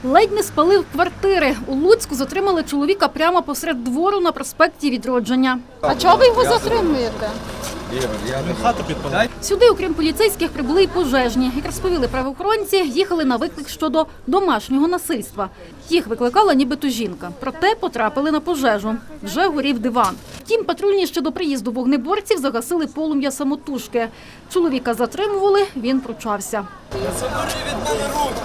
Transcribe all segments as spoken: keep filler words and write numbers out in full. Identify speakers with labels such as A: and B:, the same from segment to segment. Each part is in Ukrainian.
A: Ледь не спалив квартири. У Луцьку затримали чоловіка прямо посеред двору на проспекті Відродження.
B: А чого ви його затримуєте?
A: Сюди, окрім поліцейських, прибули й пожежні. Як розповіли правоохоронці, їхали на виклик щодо домашнього насильства. Їх викликала нібито жінка. Проте потрапили на пожежу. Вже горів диван. Втім, патрульні ще до приїзду вогнеборців загасили полум'я самотужки. Чоловіка затримували, він пручався.
C: Забери від мене руки!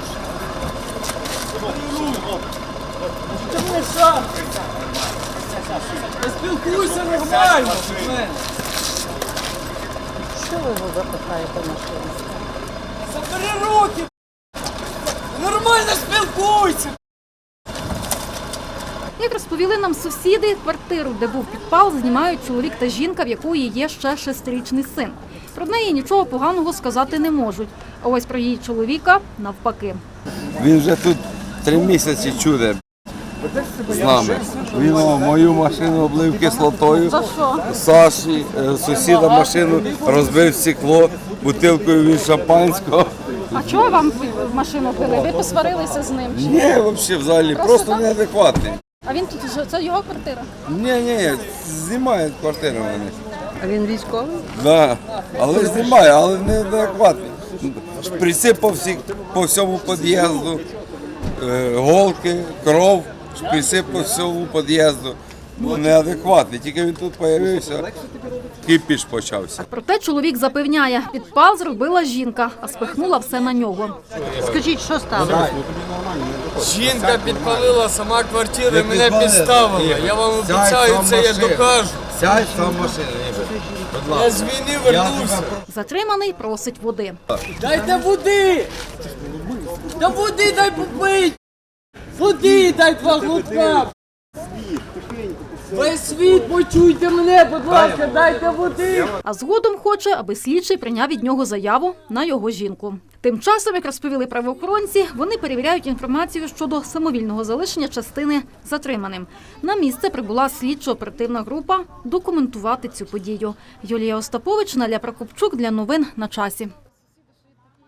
C: Забери сам! Не спілкуйся нормально!
B: Що ви його запихаєте в машину?
C: Забери руки! Нормально спілкуйся!
A: Як розповіли нам сусіди, квартиру, де був підпал, знімають чоловік та жінка, в якої є ще шестирічний син. Про неї нічого поганого сказати не можуть. А ось про її чоловіка навпаки.
D: Він вже тут три місяці чуде з нами. Він мою машину облив кислотою.
A: За що?
D: Саші, сусіда машину розбив стекло, бутилкою від шампанського.
A: А чого вам в машину пили? Ви посварилися з ним?
D: Ні, взагалі, взагалі, просто неадекватний.
A: А він тут, це його квартира?
D: Ні, ні, знімають квартиру вони.
B: А він військовий?
D: Да, але знімає, але неадекватний. Шприци по, всі, по всьому під'їзду, е, голки, кров, шприци по всьому під'їзду. Ну, неадекватний, тільки він тут з'явився, кипіш почався.
A: Проте чоловік запевняє, підпал зробила жінка, а спихнула все на нього.
B: Скажіть, що сталося?
C: Жінка підпалила сама квартиру і мене підставила. Я вам обіцяю, це я докажу.
D: Сядь сам в машину, будь
C: Я з війни вернувся.
A: Затриманий просить води.
C: Дайте води! Та води дай попить! Води дай два глотка! Весь світ, почуйте мене, будь ласка, дайте води!
A: А згодом хоче, аби слідчий прийняв від нього заяву на його жінку. Тим часом, як розповіли правоохоронці, вони перевіряють інформацію щодо самовільного залишення частини затриманим. На місце прибула слідчо-оперативна група документувати цю подію. Юлія Остапович, Наля Прокопчук для новин на часі.